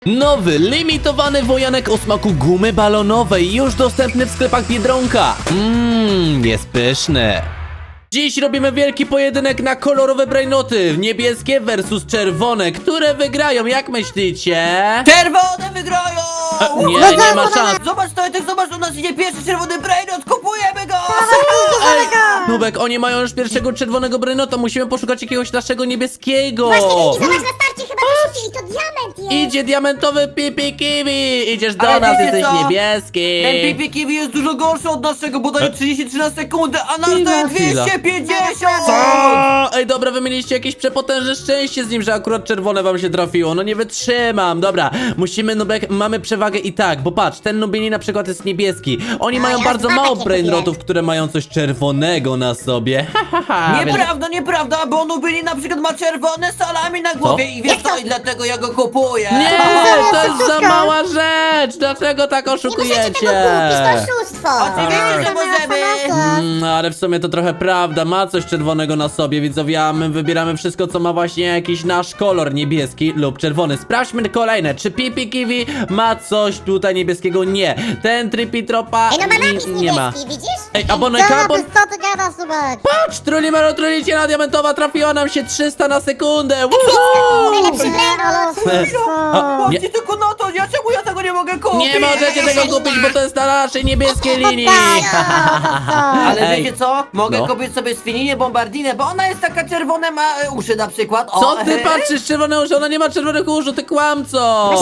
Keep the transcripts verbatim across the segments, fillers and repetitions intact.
Nowy, limitowany wojanek o smaku gumy balonowej, już dostępny w sklepach Biedronka. Mmm, jest pyszny. Dziś robimy wielki pojedynek na kolorowe brainoty, niebieskie versus czerwone, które wygrają, jak myślicie? Czerwone wygrają! E, nie, nie ma szans. Zobacz, Tojtek, zobacz, u nas idzie pierwszy czerwony brainot, kupujemy go! Ej, Nubek, oni mają już pierwszego czerwonego brainota, musimy poszukać jakiegoś naszego niebieskiego. Właśnie, Kiki, zobacz, na starcie chyba wyrzucili, to diament jest! Idzie diamentowy Pipi Kiwi, idziesz do Ale nas, wiecie jesteś co? niebieski. Ten Pipi Kiwi jest dużo gorszy od naszego, bo daje trzydzieści trzy na sekundę, a nasz Chwila, daje chwila. dwieście pięćdziesiąt! Co? Ej, dobra, wy mieliście jakieś przepotężne szczęście z nim, że akurat czerwone wam się trafiło. No nie wytrzymam. Dobra, musimy, Nubek, mamy przewagę i tak, bo patrz, ten Nubini na przykład jest niebieski. Oni A, mają ja bardzo dwa mało takie brainrotów, które mają coś czerwonego na sobie. Ha, ha, ha. Więc- Nieprawda, nieprawda, bo Nubini na przykład ma czerwone salami na głowie i wiesz co, i dlatego ja go kupuję! Nie, to jest za Oszustwo. mała rzecz. Dlaczego tak Nie możecie oszukujecie? tego kupić, to oszustwo! Oczywiście, że możemy. Mm, ale w sumie to trochę prawda, ma coś czerwonego na sobie, widzowie, a my wybieramy wszystko, co ma właśnie jakiś nasz kolor, niebieski lub czerwony. Sprawdźmy kolejne, czy Pipi Kiwi ma coś tutaj niebieskiego? Nie. Ten Trippy Tropa Ej, no ma napis n- nie ma. niebieski, widzisz? Ej, aboneka, abon... Co ty gadasz, Subek? Patrz, Trulimero Truliciela diamentowa trafiła nam się trzysta na sekundę. Woohoo! Najlepszy Nie, ale brainot! A, nie. Patrzcie tylko na to, ja czemu ja tego nie mogę kupić? Nie możecie tego kupić, bo to jest na naszej niebieskiej linii. Ale Ej. wiecie co? Mogę No. kupić sobie Sfininę Bombardinę, bo ona jest taka czerwone, ma e, uszy na przykład. O, Co ty e, patrzysz, czerwone uszy? Ona nie ma czerwonych uszu, ty kłamco!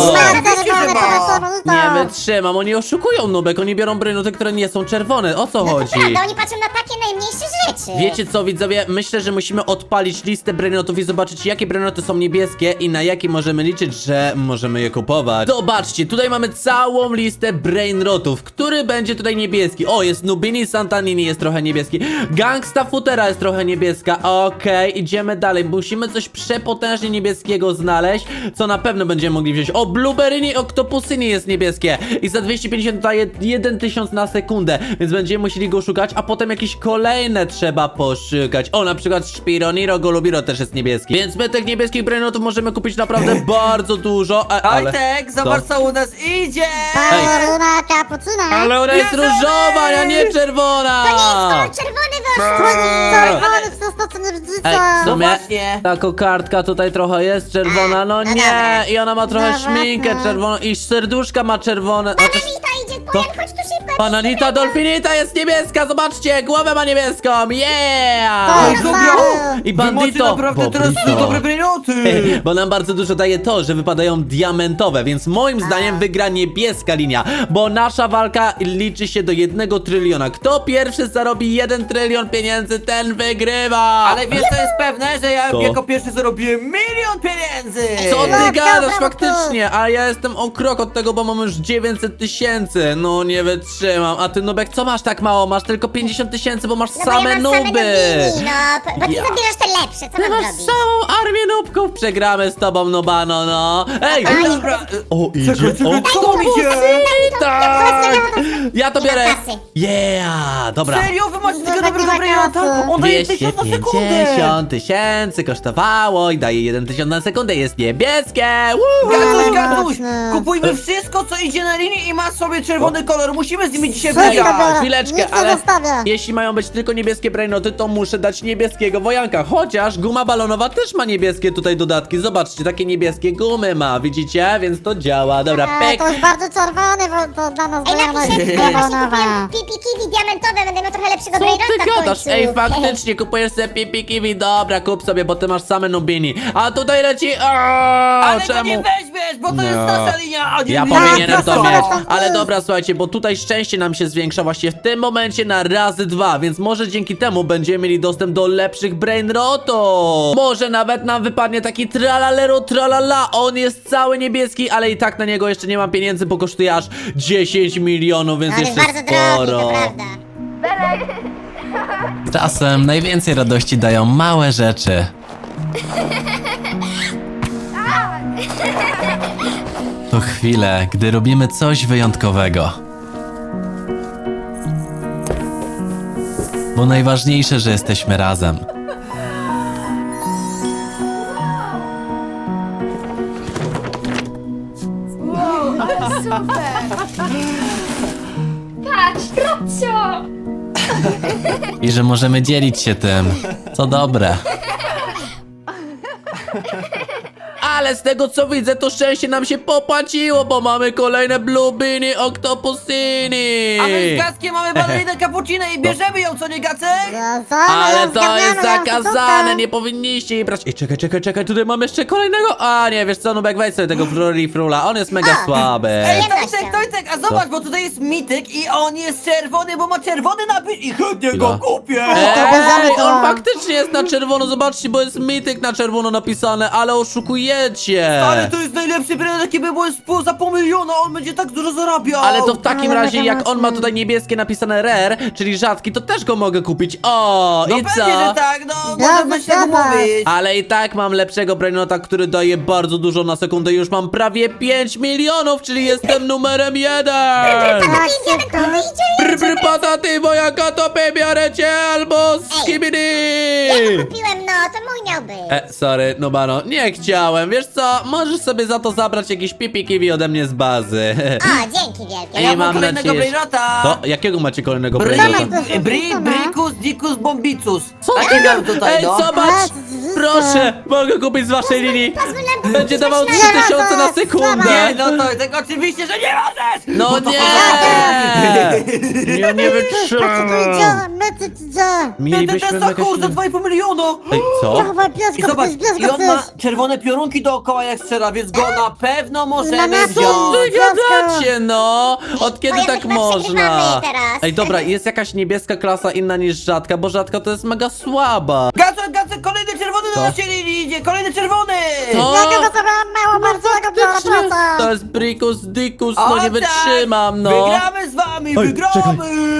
Nie wytrzymam, oni oszukują, Nubek, oni biorą brynoty, które nie są czerwone, o co No to chodzi? prawda, oni patrzą na takie najmniejsze rzeczy! Wiecie co, widzowie, myślę, że musimy odpalić listę brainotów i zobaczyć, jakie brainoty są niebieskie i na jakie możemy liczyć, że możemy je kupować. Zobaczcie, tutaj mamy całą listę brainrotów, który będzie tutaj niebieski. O, jest Nubini Santanini, jest trochę niebieski. Gangsta Futera jest trochę niebieska. Okej, idziemy dalej, musimy coś przepotężnie niebieskiego znaleźć, co na pewno będziemy mogli wziąć. O, Blueberryni Octopusyni jest niebieskie i za dwieście pięćdziesiąt daje jeden tysiąc na sekundę, więc będziemy musieli go szukać, a potem jakieś kolejne trzeba poszukać. O, na przykład Spironiro Golubiro też jest niebieski, więc my tych niebieskich brainotów możemy kupić naprawdę bardzo dużo, a, ale... Tojtek, zobacz co u nas idzie! Balona kapucyna. Ale ona jest Bierzemy! różowa, a nie czerwona! To nie jest kolor czerwony, wy Czerwony przez to, co nie Ej, widzicie. w No sumie właśnie. ta kokardka tutaj trochę jest czerwona, no no nie, dobra. i ona ma trochę No szminkę właśnie. czerwoną i serduszka ma czerwone. Znaczy, Bananita idzie, Bojan, chodź tu szybko! Bananita Dolfinita jest niebieska, zobaczcie, głowę ma niebieską, yeah! To Ej, jest dobra. stary. I Wy macie bandito, naprawdę teraz Bobrito. dobre brainoty! Bo nam bardzo dużo daje to, że wypadają diamentowe, więc moim zdaniem wygra niebieska linia, bo nasza walka liczy się do jednego tryliona. Kto pierwszy zarobi jeden trylion pieniędzy, ten wygrywa! Ale wiesz co jest pewne, że ja Co? jako pierwszy zarobiłem milion pieniędzy! Co ty Brawo, gadasz brawo, faktycznie, a ja jestem o krok od tego, bo mam już dziewięćset tysięcy. No nie wytrzymam, a ty Nubek co masz tak mało? Masz tylko pięćdziesiąt tysięcy, bo masz No bo same ja mam same nuby. nubini, no, bo ty Ja. zabierasz te lepsze, co Ty mam masz zrobić? całą armię nubków, przegramy z tobą, Nubano, no. Ej! Ej, dobra, O, idzie, czekaj, czekaj, o, co tam idzie? tak! Ja to Nie ma biorę. kasy. Yeah, dobra. Serio? Wy macie takiego tak nie dobrego ma brainota? kasy. On daje dwieście tysiąc na sekundę! pięćdziesiąt tysięcy kosztowało i daje jeden tysiąc na sekundę, jest niebieskie. Woohoo! Gatuś, Gatuś! Mocne. Kupujmy wszystko, co idzie na linii i ma sobie czerwony kolor. Musimy z nimi dzisiaj Wszystko wygrać! biorę. Chwileczkę, Nic nie ale zostawię. jeśli mają być tylko niebieskie brainoty, to muszę dać niebieskiego wojanka. Chociaż guma balonowa też ma niebieskie tutaj dodatki. Zobaczcie, takie niebieskie gumy ma, widzicie? Więc to działa. Dobra, E, pek. To jest bardzo czerwony, bo to dla nas Ej, Bojana napiszę, jest ja właśnie balanowa. kupiłem Pipi Kiwi diamentowe, będę miał trochę lepszego Co brainota ty w gadasz? końcu. Ej, faktycznie kupujesz sobie Pipi Kiwi. Dobra, kup sobie, bo ty masz same nubini. A tutaj leci... Aaaa, Ale go czemu? nie weźmiesz, bo to jest No. nasza linia! A nie Ja linia powinienem to nasza. mieć, ale dobra, słuchajcie, bo tutaj szczęście nam się zwiększa właśnie w tym momencie na razy dwa, więc może dzięki temu będziemy mieli dostęp do lepszych brainrotów. Może nawet nam wypadnie taki tralalero tralala, on jest cały niebieski, ale i tak na niego jeszcze nie mam pieniędzy, bo kosztuje aż dziesięć milionów, więc No, on jest jeszcze bardzo drogi, to sporo. prawda. Czasem najwięcej radości dają małe rzeczy. To chwile, gdy robimy coś wyjątkowego. Bo najważniejsze, że jesteśmy razem. super! Patrz, Robcio! I że możemy dzielić się tym. Co dobre. Ale z tego co widzę, to szczęście nam się popłaciło, bo mamy kolejne Bluebiny Octopusyni. A my z Gackiem mamy balerinę cappuccino i bierzemy ją, co nie Gacek? Ale to jest zakazane, nie powinniście jej brać. Ej, czekaj, czekaj, czekaj, tutaj mam jeszcze kolejnego. A nie, wiesz co, Nubek, weź sobie tego Frula, on jest mega słaby. Ej, Przyjemnością. Tojtek, Tojtek, a zobacz, bo tutaj jest mityk i on jest czerwony, bo ma czerwony napis i chętnie go Chwila. kupię! Ej, on faktycznie jest na czerwono, zobaczcie, bo jest mityk na czerwono napisane, ale oszukujecie. Ale to jest najlepszy brand, jaki by był z pół za pół miliona, on będzie tak dużo zarabiał! Ale to w takim Ale razie, mega jak on ma mocny. tutaj niebieskie napisane rare, czyli rzadki, to też go mogę kupić. O, No i pewnie, co? że tak, no, Zgadza, możemy się tak zgadza. umówić! Ale i tak mam lepszego brainota, który daje bardzo dużo na sekundę. Już mam prawie pięć milionów, czyli jestem numerem jeden. Tak, szybko. Brr, brr, pataty, moja katopy, biorę cię albo skibidi. Ja go kupiłem, no, to mój miał być. E, sorry, Nubano, nie chciałem. Wiesz co, możesz sobie za to zabrać jakieś pipi kiwi ode mnie z bazy. O, dzięki wielkie. Ej, Ja mam mam kolejnego nadzieję, że- brainota! To, jakiego macie kolejnego Bry, brainota? to bry, są Brikus, Dicus, Bombicus! Co A ty nie mam gada- tutaj, Ej, no! zobacz! A, z- Proszę, mogę kupić z waszej linii. Pozwól nam Będzie kupić dawał coś trzy na- tysiące na Nie, sekundę. no to tak oczywiście, że nie możesz! No Bo to nie! poza- Ja nie Co tu wytrzymam. idzie? My ty idzie. Ten, ten, Mielibyśmy ten mega Sakura za silny... dwa i pół miliona! Ej, co? Dawaj, I bierz go, zobacz, bierz i go, on ma bierz. czerwone piorunki dookoła jak strzela, więc go na pewno możemy Na Co wziąć! wy gadacie, no? Od kiedy Bo tak jakoś można? przegrywamy teraz. Ej, dobra, jest jakaś niebieska klasa inna niż rzadka, bo rzadka to jest mega słaba. Gacek, Gacek, kolejny czerwony Co? na naszej linii idzie, kolejny czerwony! To- Ja go sobie mało bardzo, ja go biorę, Faktycznie, proszę. To jest Bricus Dicus, O, no nie tak! wytrzymam, no. Wygramy z wami, Ej, wygramy! czekaj.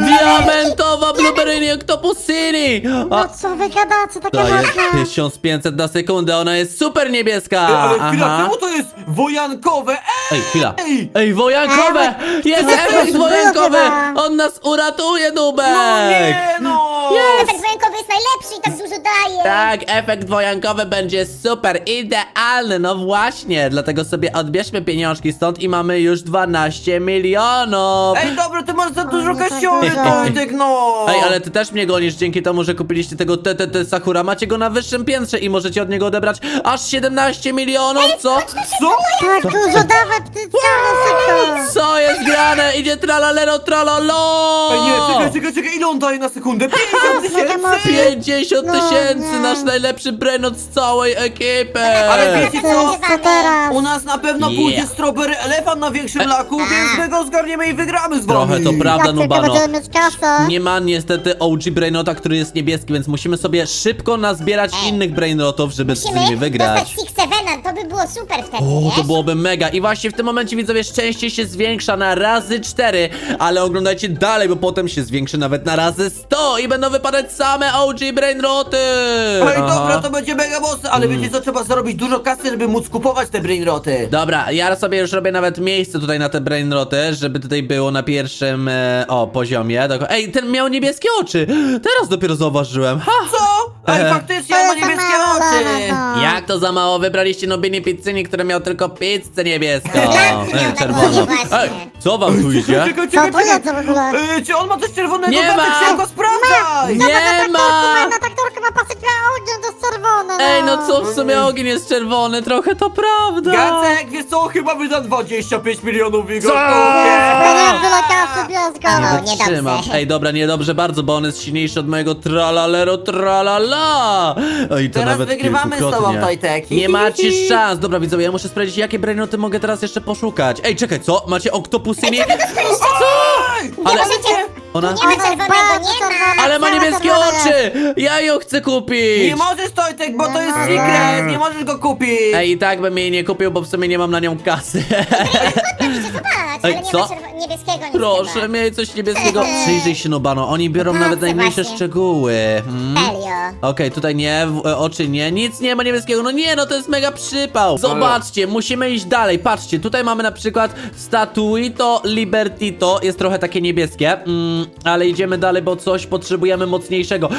Diamentowa Blueberry Octopusyni! A, No co wy gadacie, takie to jest mocne. tysiąc pięćset na sekundę, ona jest super niebieska! Ej, ale chwila, Aha. czemu to jest wojankowe? Ej, chwila. Ej! Ej, wojankowe! Jest to efekt jest wojankowy! chyba. On nas uratuje, Nubek! No nie, no! Efekt wojenkowy jest najlepszy i tak dużo daje. Tak, efekt wojankowy będzie super, idealny, no właśnie, dlatego sobie odbierzmy pieniążki stąd i mamy już dwanaście milionów! Ej, dobra, ty masz za dużo no tak kasiory, dużo. Tojtek, no! Ej, ale ty też mnie gonisz dzięki temu, że kupiliście tego T T T Sakura. Macie go na wyższym piętrze i możecie od niego odebrać aż siedemnaście milionów, co? Co? Tak dużo, dawaj, ptyciany, szybko. Co jest grane? Idzie tralalero tralalo! Ej, nie, czekaj, czekaj, czekaj, ile on daje na sekundę? pięćdziesiąt tysięcy! pięćdziesiąt No, tysięcy, nie. nasz najlepszy brainot z całej ekipy! Ale wiecie co? Co teraz? U nas na pewno Yeah. pójdzie strawberry elefant na większym laku, więc my go zgarniemy i wygramy z wami! Trochę to prawda, Jak tylko Nubano. będziemy mieć kasę. Nie ma niestety O G Brainota, który jest niebieski, więc musimy sobie szybko nazbierać Ej. innych Brainrotów, żeby z nimi Musimy wygrać. dostać Six Sevena, to by było super wtedy, O, wiesz? to byłoby mega. I właśnie w tym momencie, widzowie, szczęście się zwiększa na razy cztery, ale oglądajcie dalej, bo potem się zwiększy nawet na razy sto i będą wypadać same O G Brainroty. Ej, Aha. dobra, to będzie mega mocne, ale Mm. wiecie co, trzeba zarobić dużo kasy, żeby móc kupować te brainroty. Dobra, ja sobie już robię nawet miejsce tutaj na te brainroty, żeby tutaj było na pierwszym, e, o, poziomie. Doko- Ej, ten miał niebieskie oczy. Teraz dopiero zauważyłem. Ha! Co? Ej, Ehe. faktycznie, on ma jest za niebieskie mało, oczy! no. Jak to za mało? Wybraliście Nubini Pizzyni, który miał tylko pizzę niebieską. Tak, Ej, tak czerwoną. właśnie. Ej, co wam tu idzie? Czekaj, Co czekaj, to czekaj. jest w ogóle? Ej, czy on ma coś czerwonego? Nie Gatek, ma. szybko sprawdzaj! Nie ma! Na traktorkę ma pasek na ogień, to jest czerwone, no. Ej, no co, w sumie ogień jest czerwony, trochę to prawda. Gacek, wiesz co, chyba wydam dwadzieścia pięć milionów w jego Co? kupię. Pieniądze dla kasy, bierz go. No, Nie niedobrze. wytrzymam. Ej, dobra, niedobrze bardzo, bo on jest silniejszy od mojego tralalero tralala. Oj, to Teraz nawet wygrywamy z tobą, kilkukrotnie. Tojtek. Nie macie szans. Dobra, widzowie, ja muszę sprawdzić, jakie brainoty mogę teraz jeszcze poszukać. Ej, czekaj, co? Macie oktopusyni? Ej! Ale możecie- ona... Nie ma czerwonego, nie ma. Ale ma niebieskie oczy! Ja ją chcę kupić! Nie możesz, Tojtek, bo to jest secret, nie możesz go kupić. Ej, i tak bym jej nie kupił, bo w sumie nie mam na nią kasy. Możecie zobaczyć, Ej, ale nie co? ma czerwo- niebieskiego nic Proszę, chyba. miej coś niebieskiego. Przyjrzyj się, Nubano, oni biorą Aha, nawet co najmniejsze właśnie. szczegóły. Hmm? Serio. Okej, tutaj nie, w, e, oczy nie, nic nie ma niebieskiego, no nie, no to jest mega przypał. Zobaczcie, musimy iść dalej, patrzcie, tutaj mamy na przykład Statuito Libertito, jest trochę takie niebieskie, mm, ale idziemy dalej, bo coś potrzebujemy mocniejszego.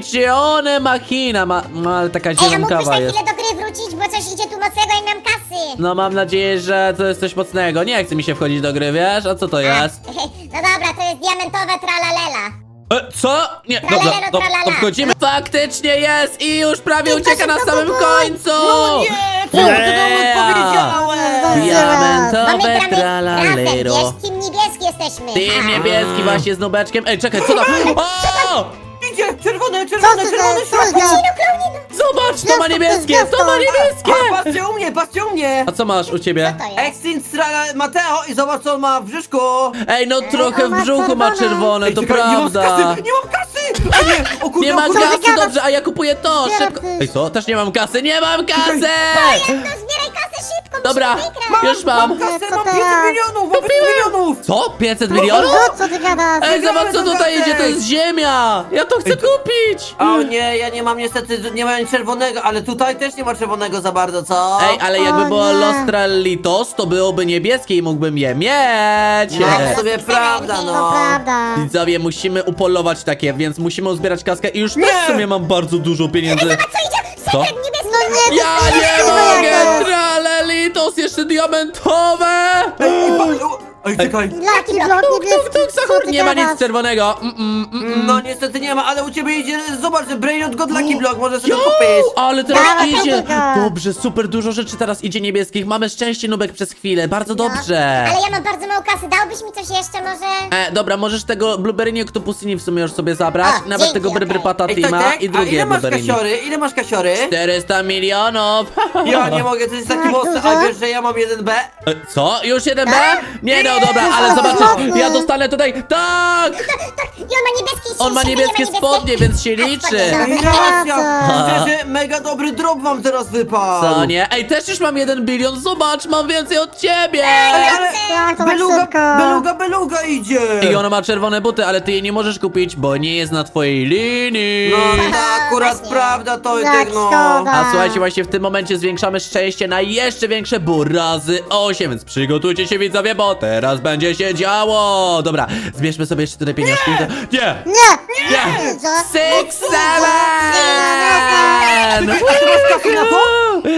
Piccione Machina, ma, ma, ale taka Ej, a mógłbyś na zielonkawa jest. chwilę do gry wrócić, bo coś idzie tu mocnego i nie mam kasy. No mam nadzieję, że to jest coś mocnego. Nie chce mi się wchodzić do gry, wiesz? A co to jest? No dobra, to jest diamentowe tralalela. E, co? Nie, dobra, Tralalero, to, tralala. to wchodzimy. Faktycznie jest i już prawie I ucieka na poszedł do samym Google. końcu. No nie, czemu ty nam odpowiedziałeś? Mamy Diamentowe gramy razem, tralalero. wiesz, team niebieski jesteśmy. Team Ha. niebieski właśnie z nubeczkiem. Ej, czekaj, co to? O! Idzie, czerwone, Co czerwone, ty, czerwone co światło! ty? Zobacz, to ma Gwiazdko, niebieskie, to jest to ma gwiazdko. niebieskie. A, patrzcie u mnie, patrzcie u mnie! A co masz u ciebie? Co to jest? Extinct Strala Mateo i zobacz co on ma w brzuszku! Ej, no trochę w ma brzuchu ma czerwone. czerwone, Ej, to czekaj, nie mam prawda. kasy, nie mam kasy! O nie, o kurde, Nie o ma kurde. kasy, gadasz? dobrze, a ja kupuję to, Zbieram szybko. ty. Ej, co? Też nie mam kasy, nie mam kasy! No zbieraj kasę szybko, Dobra, musimy wygrać. już mam. Mam kasę, Co mam teraz? pięćset milionów, mam pięćset milionów! Co? pięćset milionów? No, co ty gadasz? Ej, zobacz co Wygramy tutaj to idzie, to jest ziemia! Ja to chcę kupić! O nie, ja nie mam niestety, nie mam czerwonego, ale tutaj też nie ma czerwonego za bardzo, co? Ej, ale jakby O było nie. Los Trallitos, to byłoby niebieskie i mógłbym je mieć! No, Nie. w sobie prawda, To no. prawda. Widzowie, musimy upolować takie, więc musimy uzbierać kaskę i już Nie. też w sumie mam bardzo dużo pieniędzy. Co idzie? Co? Sekret niebieski. No nie, Ja to nie jest mogę! jakoś. Tralelitos, jeszcze diamentowe! Ej, pa- Ej, czekaj. Lucky block niebieski, Tuk, co Sahur, ty nie ma nic gadasz? czerwonego. Mm, mm, mm, mm. No niestety nie ma, ale u ciebie idzie, zobacz, że Brainot God Lucky Block, może sobie Jo, kupić. ale teraz Dawaj, idzie. dawaj. Dobrze, super dużo rzeczy teraz idzie niebieskich. Mamy szczęście, Nubek, przez chwilę. Bardzo dobrze. No, ale ja mam bardzo mało kasy, dałbyś mi coś jeszcze może? E, dobra, możesz tego Blueberry Octopusini w sumie już sobie zabrać. O, Nawet dzięki, tego Bry okej. Patata Ej, tak, Tima tak, i a drugie ile masz Blueberry. kasiory? Ile masz kasiory? czterysta milionów. Ja nie mogę, to jest taki Tak, mocny, dużo? a wiesz, że ja mam jeden B? E, Co? Już jeden B? Nie no, Nie, dobra, to ale jest zobaczysz. mocny. Ja dostanę tutaj. Tak! Tak, i on ma niebieskie On ma sieci, niebieskie nie ma spodnie, więc się liczy. Ej, Dobra, racja! co? Szczerze, mega dobry drop wam teraz wypadł! Co nie? Ej, też już mam jeden bilion. Zobacz, mam więcej od ciebie. Ej, ale Tak, to tak beluga, szybko. beluga, beluga idzie! I ona ma czerwone buty, ale ty jej nie możesz kupić, bo nie jest na twojej linii. No, to akurat Właśnie. prawda, to Jak tak no. szkoda. A słuchajcie, właśnie w tym momencie zwiększamy szczęście na jeszcze większe, bo razy osiem, więc przygotujcie się widzowie, bo teraz będzie się działo. Dobra, zbierzmy sobie jeszcze tutaj pieniążki. Nie! Nie! Nie! Nie! Co? Six, seven! A ty masz kasy na to?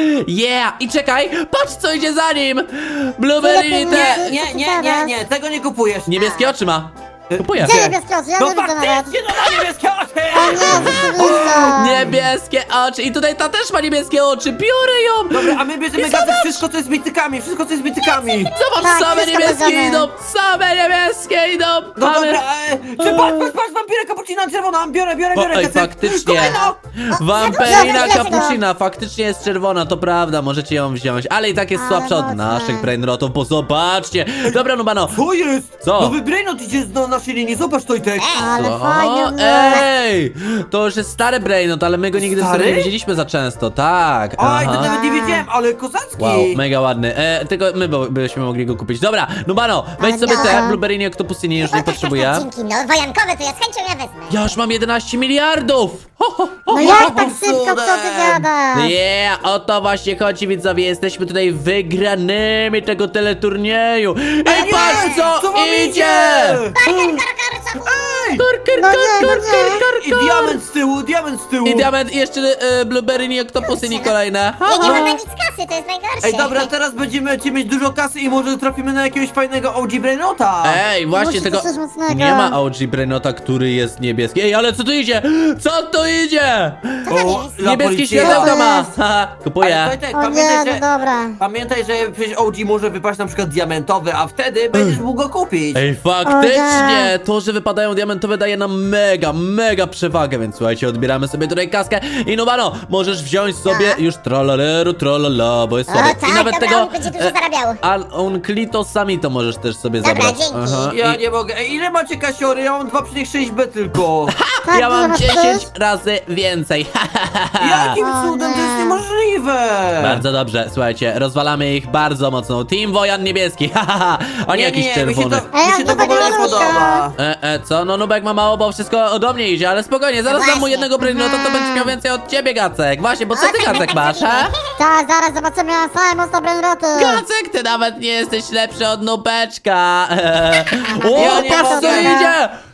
Yeah! I czekaj, patrz co idzie za nim! Blueberry Tyle te... pieniędzy. Nie, nie, nie, nie, tego nie kupujesz. Niebieskie oczy ma. Kupuję. Gdzie niebieskie oczy? Ja No nie widzę nawet. faktycznie, no ma niebieskie oczy! O nie, rzeczywiście. Niebieskie oczy. I tutaj ta też ma niebieskie oczy. Biorę ją! Dobra, a my bierzemy gazet wszystko co jest bitykami, wszystko co jest bitykami. Zobacz, Tak, same wszystko niebieskie bierzemy. idą! Same niebieskie idą! No Mamy... dobra, e, czy patrz, patrz, patrz, wampirę kapucina czerwona, biorę, biorę, O, biorę ej, gazet. faktycznie. Kolejno! Wampirina za dużo, za kapucina faktycznie jest czerwona, to prawda, możecie ją wziąć, ale i tak jest Ale słabsza od mocne. naszych brainrotów, bo zobaczcie! Dobra, Nubano, Co jest? Co? Nowy Brainot idzie na naszej linii, zobacz Tojtek. Ale o, fajnie, no. ej! To już jest stary brainrot, ale my go nigdy w Stary? sumie nie widzieliśmy za często, tak. Oj, to aha. nawet nie wiedziałem, ale kozacki. Wow, mega ładny. E, tylko my bo- byśmy mogli go kupić. Dobra, Nubano, weź Ale sobie te dobra. Blueberry Octopusini, już nie potrzebuję. Dzięki, no wojankowe to ja z chęcią ja wezmę. Ja już mam jedenaście miliardów! Ho, ho, ho, No ho, jak ho. tak szybko, co ty gadasz? Yeah, o to właśnie chodzi widzowie, jesteśmy tutaj wygranymi tego teleturnieju. I Ej, nie! patrz co, Co wam idzie! idzie? Kar, kar, kar, kar, Ej! Kar, kar, No kar, nie, kar, no kar, nie. kar, I kar. diament z tyłu, diament z tyłu. I diament i jeszcze e, Blueberry i Octopusini kolejne. Ha, Ja nie ha. mam na nic kasy, to jest najgorsze. Ej, dobra, teraz będziemy ci mieć dużo kasy i może trafimy na jakiegoś fajnego O G Brainota. Ej, właśnie Musi tego... to coś mocnego. Nie ma O G Brainota, który jest niebieski. Ej, ale co tu idzie? Co tu idzie? O, la Niebieskie policja. światełka ma. jest? Haha, kupuję. Ale Tojtek, O nie, pamiętaj, no że... dobra. Pamiętaj, że przecież O G może wypaść na przykład diamentowy, a wtedy będziesz mógł go kupić. Ej, faktycznie! O nie. To, że wypadają diamentowe daje nam mega, mega przewagę, więc słuchajcie, odbieramy sobie tutaj kaskę i Nubano, możesz wziąć sobie Tak. już trolaleru, trolala, bo jest O, sobie. tak, I nawet dobra, tego... on będzie dużo zarabiał. A on klitosami to możesz też sobie Dobra, zabrać. dzięki. Ja I nie mogę. Ej, ile macie kasiory? Ja mam dwa przecinek sześć B tylko. Tak, ja ile mam masz dziesięć też? razy więcej. Jakim O cudem? To jest nie. niemożliwe. Bardzo dobrze, słuchajcie, rozwalamy ich bardzo mocno. Team Wojan niebieski, hahaha, a nie, jakiś mi się czerwony. to, Ej, mi on się to w chyba ogóle nie nie rusza. podoba. E, e, co? No Nubek ma mało, bo wszystko ode mnie idzie, ale spokojnie, zaraz dam mu Właśnie. jednego brainrota, to będziesz miał więcej od ciebie, Gacek. Właśnie, bo co O, ty, tak, tak, Gacek, tak masz, zrobimy. ha? Tak, zaraz zobaczymy na same mocno brainroty. Gacek, ty nawet nie jesteś lepszy od Nubeczka. Eee. O, Ja nie patrz co mogę. idzie!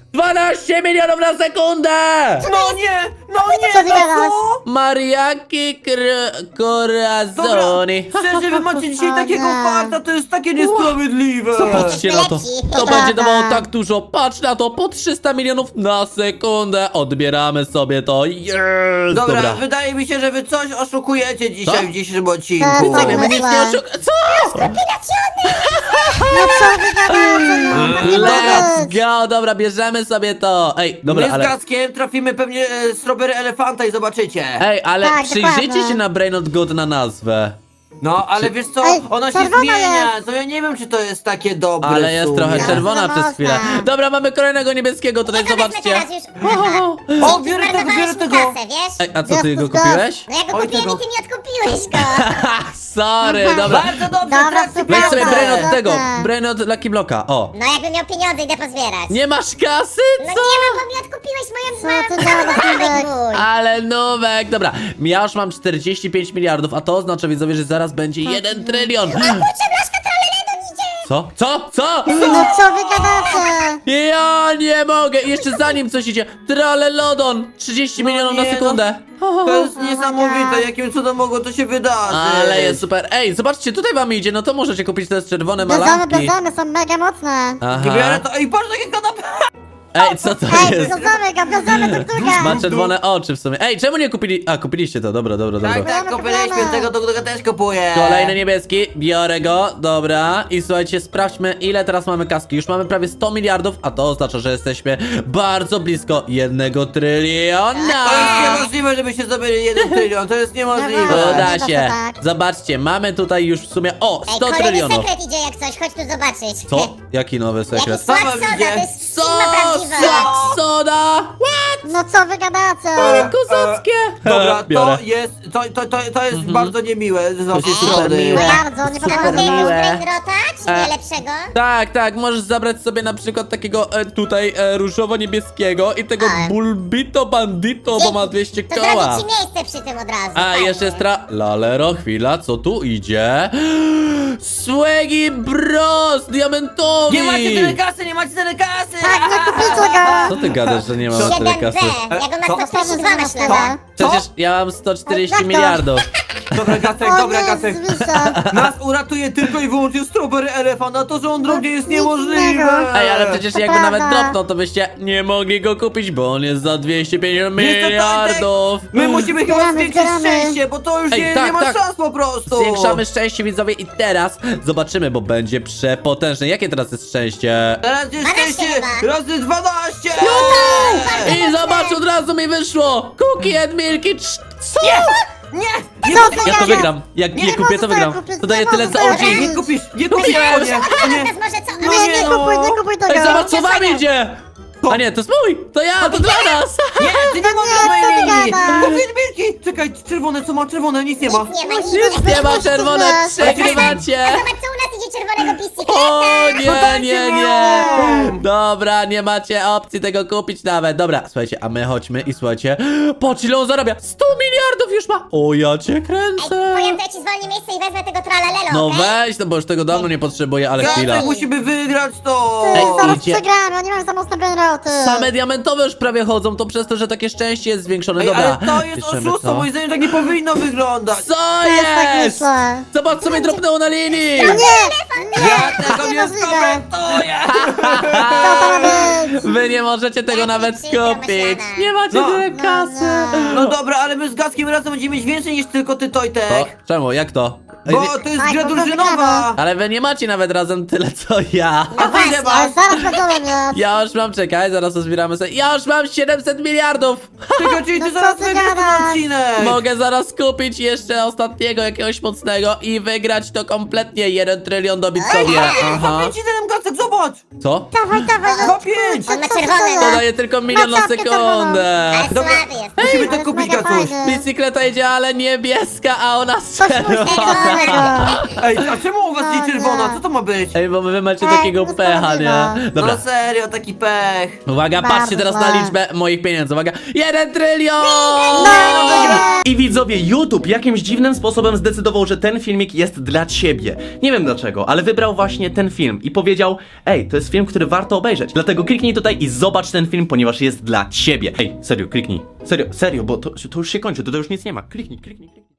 dwanaście milionów na sekundę! No nie, no nie, Co ty no gadasz? co? Mariaki Corazoni. Dobra, szczerze, wy macie dzisiaj O takiego nie. farta, to jest takie niesprawiedliwe. Zobaczcie na to. Lepsi. To Prawda. będzie dawało tak dużo. Patrz na to, po trzysta milionów na sekundę. Odbieramy sobie to. Yes! Dobra, Dobra. wydaje mi się, że wy coś oszukujecie dzisiaj Co? w dzisiejszym odcinku. Tak, Co, tak. my nic nie Myślę. oszuk... Co? No co wy gadacie? No, nie Let's być. go, dobra, bierzemy sobie to. Ej, dobra, My z ale... Gackiem trafimy pewnie e, strawberry elefanta i zobaczycie. Ej, ale Tak, przyjrzyjcie dokładnie. się na Brainot God na nazwę. No, ale wiesz co, Ej, ona się czerwona zmienia, jest. to ja nie wiem, czy to jest takie dobre Ale w jest sumie. trochę Ja czerwona za przez mocna. chwilę. Dobra, mamy kolejnego niebieskiego, tutaj Nie, to wezmę zobaczcie. teraz już. O, biorę tego, biorę Zmarnowałeś mi tego. kasę, wiesz? Ej, a co, ty Jest go to kupiłeś? No ja go Oj, kupiłem tego. i ty mi odkupiłeś go. Sorry, dobra. Bardzo dobrze, Dobra, trakcje super. Weź sobie pieniądze. Brainot tego, Dobra. Brainot Lucky Blocka, o. No jakbym miał pieniądze, idę pozbierać. Nie masz kasy? No Co? nie mam, bo mi odkupiłeś moją Co ty mamę. gadasz, Nubek? mój. Ale nówek, dobra. Ja już mam czterdzieści pięć miliardów, a to oznacza, widzowie, że zaraz będzie jeden trylion. Kurczę, blaszka tralelendo idzie. Co? Co? Co? No co wy gadacie? Ja nie mogę, jeszcze zanim coś idzie. Tralelodon, trzydzieści No milionów nie, na sekundę. To jest niesamowite, jakim cudem mogło to się wydarzyć. Ale jest super. Ej, zobaczcie, tutaj wam idzie, no to możecie kupić te czerwone Bierzemy, malaki. bierzemy, są mega mocne. Biorę Aha. to, ej, patrz, takie kanapy. Ej, co to Ej, jest? bierzemy go, bierzemy tuktuka. Ma czerwone oczy w sumie. Ej, czemu nie kupili... A, kupiliście to, dobra, dobra, dobra. Tak, tak, Kupujemy, kupiliśmy, kupujemy. tego tuktuka też kupuję. Kolejny niebieski, biorę go, dobra. I słuchajcie, sprawdźmy, ile teraz mamy kaski. Już mamy prawie sto miliardów, a to oznacza, że jesteśmy bardzo blisko jednego tryliona. To jest niemożliwe, żeby się zdobyli jeden trylion, to jest niemożliwe. Dobra. Uda Uda się się. tak. Zobaczcie, mamy tutaj już w sumie, o, Ej, sto kolejny trylionów. sekret idzie jak coś, chodź tu zobaczyć. Co? Jaki nowy sekret? Jakiś słod Sama soda, widzę. to jest Co? firma prawdziwa. Sok soda? What? No co wy gadacie? Kozackie. Dobra, Biorę. to jest, to, to, to, to jest bardzo niemiłe z naszej super strony. miłe. Bardzo, nie A podoba mogę mi jakiegoś miłe. brainrota, czy E. nie lepszego? Tak, tak, możesz zabrać sobie na przykład takiego e, tutaj e, różowo-niebieskiego i tego A. Bulbito Bandito, bo ma dwieście To koła. zrobić ci miejsce przy tym od razu. A fajnie. jeszcze jest tra... Lalero, chwila, co tu idzie? Swaggy Bros, diamentowi! Nie macie tyle kasy, nie macie tyle kasy! Tak, nie kupicie go. Co ty gadasz, że nie ma tyle siedem kasy? B, ja go Co? na sto czterdzieści dwa masz Co? lewe. Przecież ja mam sto czterdzieści Jak to? miliardów. Dobra, Gacek, O dobra, nie, Gacek. zwisza. Nas uratuje tylko i wyłącznie strawberry elefant, a to, że on drogi jest Nic niemożliwe. innego. Ej, ale przecież To jakby nawet prawda. dropnął, to byście nie mogli go kupić, bo on jest za dwieście pięćdziesiąt Wiesz co, miliardów. My musimy chyba Zbieramy, zwiększyć zbieramy. szczęście, bo to już Ej, nie, tak, nie ma tak. szans po prostu. Zwiększamy szczęście, widzowie, i teraz zobaczymy, bo będzie przepotężne. Jakie teraz jest szczęście? Teraz jest dwanaście szczęście chyba. razy dwanaście! I zobacz, od razu mi wyszło! Cookie and Milky, cz- co? Nie! Nie, Co kupisz, ty Ja to Nie, wygram. Jak nie, nie kupię, możesz to tego wygram. kupić, To daje nie tyle możesz co tego O G. nie kupisz, nie kupisz, Kupiłem. nie, A nie. teraz może co? Nie, Ale nie no. kupuj, nie kupuj tego. Ej, zobacz, co wam idzie! A nie, to jest mój! To ja, to dla nas! Nie, ty nie możesz co mojej ty linii! gadasz? Kupię milki! Czekaj, czerwone, co ma czerwone? Nic nie ma. Nic nie ma, nic Musisz nie ma. Nie ma czerwone, Weź, przegrywacie! Zobacz, co u nas idzie czerwonego bicykleta. O No nie, dajcie nie, mi nie! ją. Dobra, nie macie opcji tego kupić nawet. Dobra, słuchajcie, a my chodźmy i słuchajcie. Patrz, ile on zarabia! sto miliardów już ma! O, ja cię Ej, kręcę! powiem, to ja ci zwolnię miejsce i wezmę tego tralalelo, No okej? weź, no bo już tego dawno nie potrzebuję, ale chwila. Gacek, musimy wygrać to! Ty, Ej, zaraz idzie. przegramy, oni mają za mocne brainroty. Same diamentowe już prawie chodzą, to przez to, że takie szczęście jest zwiększone. Ej, Dobra, ale to jest piszemy oszustwo, to. moim zdaniem tak nie powinno wyglądać! Co Też tak jest? myślę. Zobacz, co mi dropnęło na linii! Nie, nie, Ja tego nie niemożliwe. skomentuję! Co to ma być? Wy nie możecie tego Jaki nawet przykro skupić. myślane. Nie macie No. tyle No, kasy. No dobra, ale my z Gackiem razem będziemy mieć więcej niż tylko ty, O, Tojtek! czemu? Jak to? Ej, Bo nie- to jest Tak, gra bo to drużynowa! wygramy. Ale wy nie macie nawet razem tyle co ja. A ty ile Ale masz? zaraz będziemy mieć. Ja już mam, czekaj, zaraz to zbieramy sobie. Ja już mam siedemset miliardów! Czekaj, czyli No ty co zaraz ty wygrasz ten gadasz? odcinek! Mogę zaraz kupić jeszcze ostatniego jakiegoś mocnego i wygrać to kompletnie. Jeden trylion dobić sobie. Aha. Kupię ci ten Gacek, zobacz! Co? Dawaj, dawaj, no. Za pięć! On ma Co ty czerwone, gadasz? To daje tylko milion na czapkę czerwoną. sekundę. Ale Dobra. słaby jest. Musimy Ale to jest kupić, mega Gacuś! fajny. Bicykleta idzie, ale niebieska, a ona Coś czerwona. mocnego. Ej, a czemu u was No nie nie. czerwona? Co to ma być? Ej, bo wy macie Ej, takiego to pecha, nie? sprawiedliwe. Dobra. No serio, taki pech! Uwaga, Bardzo patrzcie teraz źle. na liczbę moich pieniędzy. Uwaga, jeden trylion! I widzowie, YouTube jakimś dziwnym sposobem zdecydował, że ten filmik jest dla ciebie. Nie wiem dlaczego, ale wybrał właśnie ten film i powiedział: ej, to jest film, który warto obejrzeć. Dlatego kliknij tutaj i zobacz ten film, ponieważ jest dla ciebie. Ej, serio, kliknij. Serio, serio, bo to, to już się kończy, to, to już nic nie ma. Kliknij, kliknij, kliknij.